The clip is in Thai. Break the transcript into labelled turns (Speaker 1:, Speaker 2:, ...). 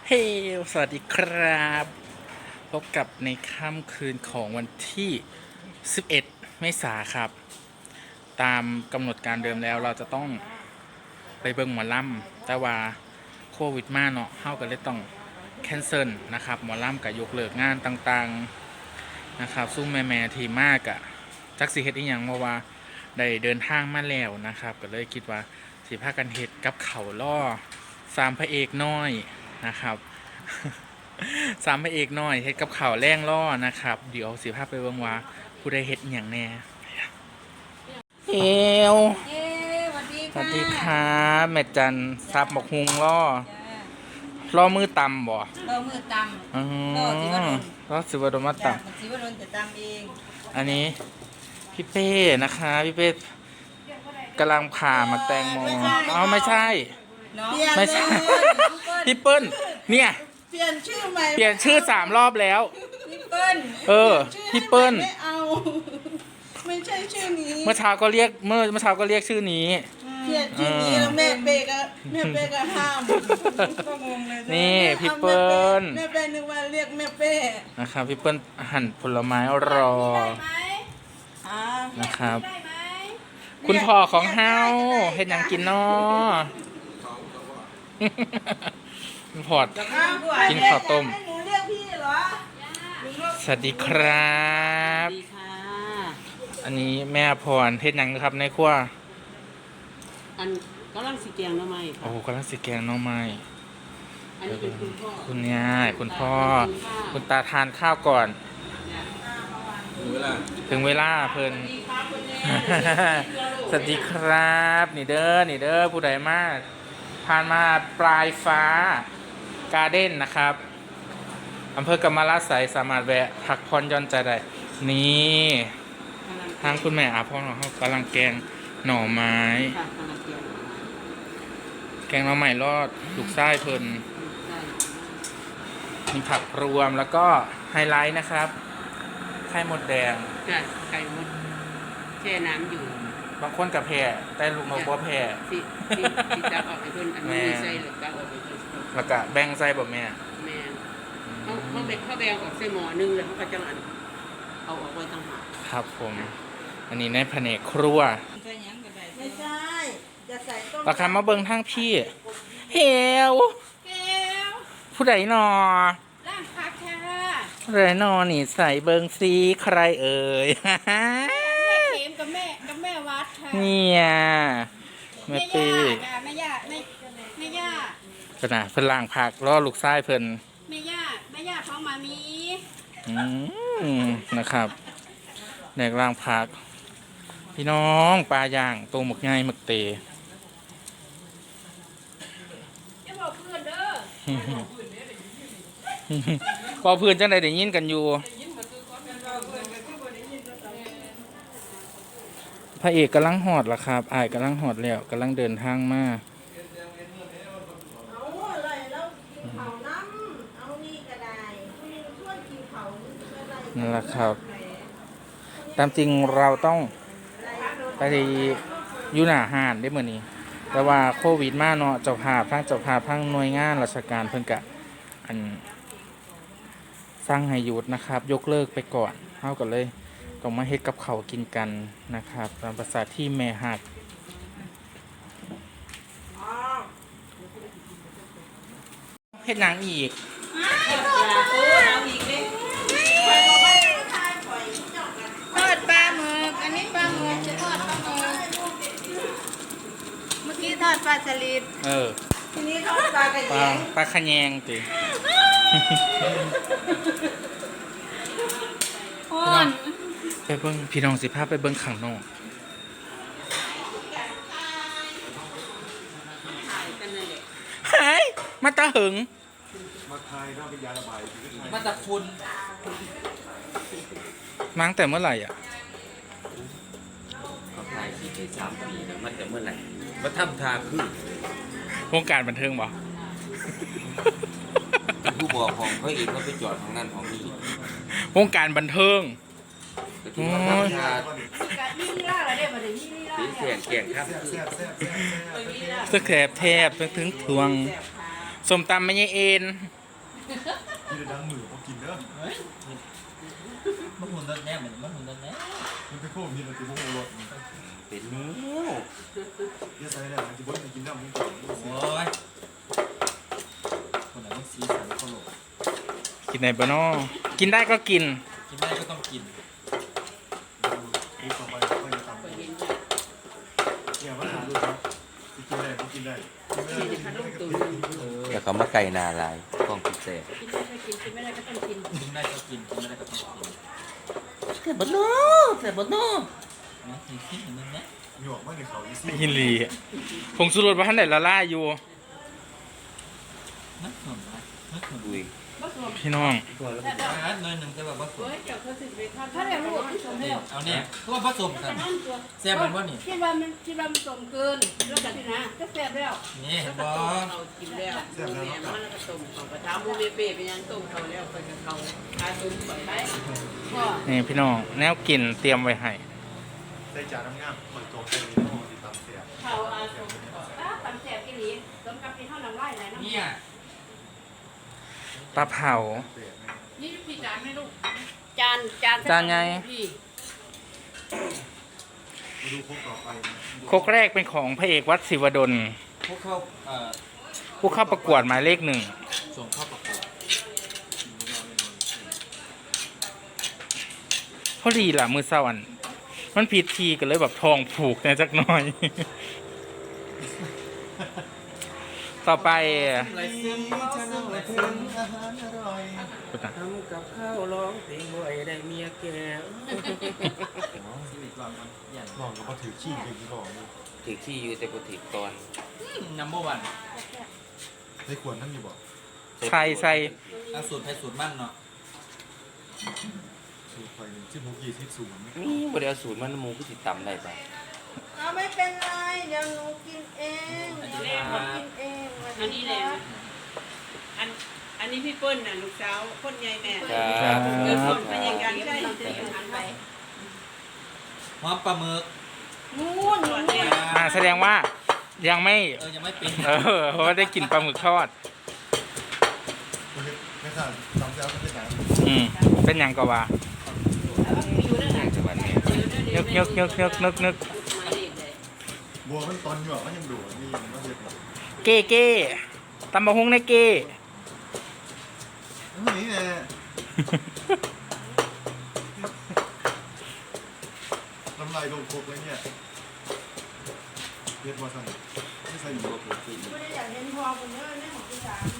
Speaker 1: เฮ้สวัสดีครับพบกับในค่ำคืนของวันที่ 11 เมษายนครับ ตามกำหนดการเดิมแล้วเราจะต้องไปเบิ่งหมอลำแต่ว่าโควิดมาเนาะเฮาก็เลยต้องแคนเซิลนะครับหมอลำกับยกเลิกงานต่างๆนะครับซุ้มแม่ๆที่มากอะจักสิเฮ็ดอีหยังเพราะว่าได้เดินทางมาแล้วนะครับก็เลยคิดว่าสิพากันเฮ็ดกับเขาวล่อสามพระเอกน้อยนะครับ สามพระเอกน้อยเฮ็ดกับข่าวแรงล่อนะครับเดี๋ยวสิภาพไปเบิ่งว่าผู้ใดเฮ็ดอย่างแน่เอว
Speaker 2: สวัสดี
Speaker 1: สวั
Speaker 2: ค่ะ
Speaker 1: สดีครับแม่จันซับหมกฮุงล่อมือตำบ่
Speaker 2: เรามือตำ
Speaker 1: อ๋อ
Speaker 2: ล่อสิวดล
Speaker 1: ล่อสิวดลมาต
Speaker 2: สิวดลจะตำเอง
Speaker 1: ำอันนี้พี่เป้นะคะพี่เป้กำลังผ่ามาแตงโมอ๋อไม่ใช่
Speaker 2: น้อง
Speaker 1: ไม่ใช่ พี่เปิ้ลเนี่ย
Speaker 2: เปลี่ยนชื่อใหม่
Speaker 1: เปลี่ยนชื่อ3 รอบแล้ว
Speaker 2: พี่เปิ้ล
Speaker 1: เออพี่เปิ้ล
Speaker 2: ไม่เอาไม่ใช่ชื่อนี้
Speaker 1: เมื่อเช้าก็เรียกเมื่อเช้าก็เรียกชื่อนี้
Speaker 2: เปลี่ยนชื่อนี้แล้วแม่เป้ก็ห้ามก็งงเลย
Speaker 1: นี่พี่เปิ้ล
Speaker 2: แม่เป้นึกว่าเรียกแม่เป้
Speaker 1: นะครับพี่เปิ้ลหั่นผลไม้รอ
Speaker 2: อ่า
Speaker 1: นะครับ คุณพ่อของเฮาเฮ็ดหยังกินน้อ คุณพ่อกินข้าวต้ม
Speaker 2: ให้หนูเรียกพี่เหรอ
Speaker 1: สวัสดีครับ
Speaker 3: ดีค่ะ
Speaker 1: อันนี้แม่พรเฮ็ดหยังครับในครัว
Speaker 3: อันกำลังสีแกงหน่อไม้
Speaker 1: โอ้กำลังสิแกงหน้องไม้
Speaker 3: อันนี้เป็นคุณพ่อ
Speaker 1: คุณยายคุณพ่อ คุณตาทานข้าวก่อน ถึงเวลาเพิ่น สวัสดีครับนี่เด้อผู้ใดมาผ่านมาปลายฟ้าการ์เด้นนะครับอำเภอกำมะลาไสยสามารถแวะพักผ่อนหย่อนใจได้นี่ทางคุณแม่อาพ่อของเขากำลังแกงหน่อไม้
Speaker 3: ค่ะกำลังแกง
Speaker 1: แกงหน่อไม้รอดลูกไส้เพิ่น
Speaker 3: ใช่
Speaker 1: มีผักรวมแล้วก็ไฮไลท์นะครับไข่มดแดง
Speaker 3: จ้ะไก่มดแช่น้ำอยู่
Speaker 1: บางคนกับแพร่แต่ลูกนกบ่แพร่
Speaker 3: ที่จะออกไปเพิ่นอันนี้ใส่หรือก็ออกไปเพิ่น
Speaker 1: แล้วก็แบ่งใส่บ่แม่
Speaker 3: แม่เขาแบ่งออกใส่หม้อนึงแล้วเขาก็จะเอาออกไว้ต่างหาก
Speaker 1: ครับผม อันนี้ในแผนกครัว
Speaker 2: ไม่ใช่ จะใส่ต้ม
Speaker 1: ราคามาเบิ่งทางพี่เฮว
Speaker 2: แก้ว
Speaker 1: ผู้ใดนอ
Speaker 2: ร่างพักค่ะ
Speaker 1: ผู้ใดนอนี่ใส่เบิ่งซีใครเอ่ย
Speaker 2: แม่เข็มกับแม่วัดค่ะ
Speaker 1: เนี่ยแม่ปี
Speaker 2: แม่ย่าแม่ย่า
Speaker 1: ขนาดเพิ่นล่างผักรอลูกชายเพิ่น
Speaker 2: แม่ย่าของมามี
Speaker 1: นะครับแดกล่างผัก พี่น้องปลาย่างตัวหมึกง่ายหมึกเต
Speaker 2: จะบอกเพื่อนเด้อ
Speaker 1: พอเพื่อนจังใดได้ยินกันอยู่ พระเอกกำลังหอดล่ะครับอ้ายกำลังหอดแล้วกำลังเดินทางมา
Speaker 2: เอาอะไรแล้วกินเผาน้ำเอานี่ก็ได้คุณชวนกินเผาอะไร
Speaker 1: นั่นแหละครับ ตามจริงเราต้องไปอยู่หน้าห้านได้เหมือนนี้ แต่ว่าโควิดมาเนาะเจ้าภาพทั้งหน่วยงานราชการเพิ่นกะอันสร้างให้หยุดนะครับ ยกเลิกไปก่อนเฮาก็เลยต้องมาเฮ็ดกับเขาวกินกันนะครับตามภาษาที่แม่หักเฮ็ดหนังอีก
Speaker 2: ทอดปลาหมึกอันนี้ปลาหมึกจะทอดปลาหมึกเมื่อกี้ทอดปลาสลิด
Speaker 1: เออ
Speaker 2: ทีนี้ทอดปลากระ
Speaker 1: ป
Speaker 2: เย
Speaker 1: ลาง ปลาขะแยงติ
Speaker 2: อ่อน
Speaker 1: ไปเบิ่งพี่น้องสิพาไปเบิ่งข้างนอก
Speaker 3: ถ่ายกันนั่นแหละ
Speaker 1: เฮ้ยมาตาหึง
Speaker 3: มาจากคุณ
Speaker 1: มาตั้งแต่เมื่อไหร่อ่ะ
Speaker 4: เขาถ่าย4 ปี 3 ปีแล้วมันจะเมื่อไหร่มาทำทาคือ
Speaker 1: วงการบันเทิงบ่
Speaker 4: เป็นผู้บอกของเขาเองเขาไปจอดของนั่นของนี่
Speaker 1: วงการบันเทิง
Speaker 4: ก็ที่ว่าทำทา
Speaker 2: นี่ล่าอะไรเดี๋ยวมาถึงนี่ล่า
Speaker 4: สีแสงแก่งครับ
Speaker 1: สแครบแทบถึงทวงสมตำไม่ใช่เอ็น
Speaker 2: แ
Speaker 5: จะดังมือพอกินเด้อ
Speaker 6: มันหุ่นรถแน่เหมือนมันหุ่นรถแน่
Speaker 5: มันเป็นโค้งมีอะไรติดพวกโอรส
Speaker 4: เป็นนิ้ว
Speaker 5: เยอะใส่แล้วมันจะบ่นกินน้ำมึงก่อน
Speaker 6: โอ้ยคนไหนต้องซีสันเขาโหล
Speaker 1: กินไหนบ้านอกินได้ก็กิน
Speaker 6: กินได้ก็ต้องกิน
Speaker 5: ดูต่อไปค่อยจะทำ
Speaker 3: ไปเห็น
Speaker 5: เนี่ยมาหาดูครับกินได้กินได้กินไม่ได้กินไม่ได้ก็กิน
Speaker 4: แต่เขามาไก่นาลายกล้องพิเศษ
Speaker 3: กินได้ก็กินกินไม่ได้ก็ต้องกิน
Speaker 6: กินได้ก็กินกินไม่ได้ก็ต้องกิน
Speaker 4: แต่บนโน่แต่บนโน่
Speaker 6: นะกินขี้เหมือนนึงนะ
Speaker 5: หยวกไม่ในเขาอีซี่
Speaker 1: หินลีผงสุรสว่าท่านไหนละล่าอยู่
Speaker 6: นักหนุนนะนักหนุน
Speaker 4: ดุย
Speaker 3: บ่สวม
Speaker 1: พี่น้อง
Speaker 4: ตัวแล้ว
Speaker 3: แต่ดอก
Speaker 6: หน่อยหนึ่งจะแบบว่าส
Speaker 3: เฮ้
Speaker 6: วย
Speaker 3: ยเจ้าเขาสิไปทำถ้าได้รู้ที่สมแล้ว
Speaker 6: เอาเนี่ยคือว่าผสมกันแซ่บมันว่านี่
Speaker 3: คิดว่ามันสมเกินแล้วกันที่นะก็แซ่บแล้ว
Speaker 6: นี่
Speaker 3: แล้ว
Speaker 6: บ
Speaker 3: ก็
Speaker 6: อ
Speaker 3: ต้มเขากินแล้วแม่มันแล้วก็ต้มเขาก็ถามบูเบเป้เป็นยังต้มเขาแล้วไปกับเขาอาต้มไปได้ก็
Speaker 1: นี่พี่น้องแนวกินเตรียมไว้ให้
Speaker 5: ใส่จานน้ำงามเปิดโจ๊กใส่ในหม้อติดตามเสีย
Speaker 3: เขาอาต้มตำแซ่บกินนี้สมกับที่เท่าน้ำลายไหลน้ำ
Speaker 6: เนี่ย
Speaker 1: ปลาเผา
Speaker 5: เสีย
Speaker 3: นี่พี่จานให้ลูกจาน
Speaker 1: จานไง
Speaker 3: พี่
Speaker 5: มาดูพวกต่อไป
Speaker 1: โคกแรกเป็นของพระเอกวัดศิวดล
Speaker 6: พวกเข้า
Speaker 1: ผู้เข้าประกวดหมายเลขหนึ่ง
Speaker 6: ส่งเข้าประกวด
Speaker 1: พอดีล่ะมือเศร้าอัน มันผิดทีกันเลยแบบทองผูกเนี่ยจักหน่อย ต่อไป
Speaker 6: ไรซึมจะนั่งไรซึม
Speaker 5: อาหารอร่อย
Speaker 3: ทำกับข้าวร้องเพลงบ่อยได้เมียแก่
Speaker 6: ชีวิตก่อนมันอย่าง
Speaker 5: ลองกับมาถือขี้กินก่อนนี่
Speaker 4: ถือขี้อยู่แต่ก็ถือตอน
Speaker 6: นัมเบอร์วัน
Speaker 5: ได้ขวดนั่นอยู่บ่
Speaker 1: ใส่ใส่
Speaker 6: เอาสูตรไทยสูตรมั่นเนาะ
Speaker 5: สูตรไฟหนึ่งชื่อมุกยี่ที่ศูนย์
Speaker 4: นี่บ่ได้เอาสูตรมันหมูก็สิตำได้ปะ
Speaker 2: เอาไม่เป็นไรเดี๋ยวหนูกินเองหนูกินเอง
Speaker 3: อันนี้แหละอันนี้พี่เปิ้ลน่ะลูกสาวคนใหญ่แม่
Speaker 4: ครับ
Speaker 3: เกิดผลพยาการใช่
Speaker 6: หอมปลาหมึก
Speaker 2: นู่น
Speaker 3: ส่วนเนี่ย
Speaker 1: แสดงว่ายังไม่
Speaker 6: ยังไม่เป็น
Speaker 1: เพราะว่าได้กินปลาหมึกทอด
Speaker 5: ไม่ทราบจำเจ้าไม่ได้ไหน
Speaker 1: เป็นหยังก็ว่า
Speaker 4: ทางจังหวัดเนี่ย
Speaker 1: นึก
Speaker 5: บัวมันตอนหยวกมันยังดูนี่มันเด็ด
Speaker 1: เก้เก้ตำบะฮุงในเก้
Speaker 5: นี่แหละน้ำลายลงครบเลยเนี่ยเรียกว่าสั่งไม่ใส่หมู
Speaker 2: ไม่ได้อยากเห็นพอคนเยอะแม่ของพี่สาม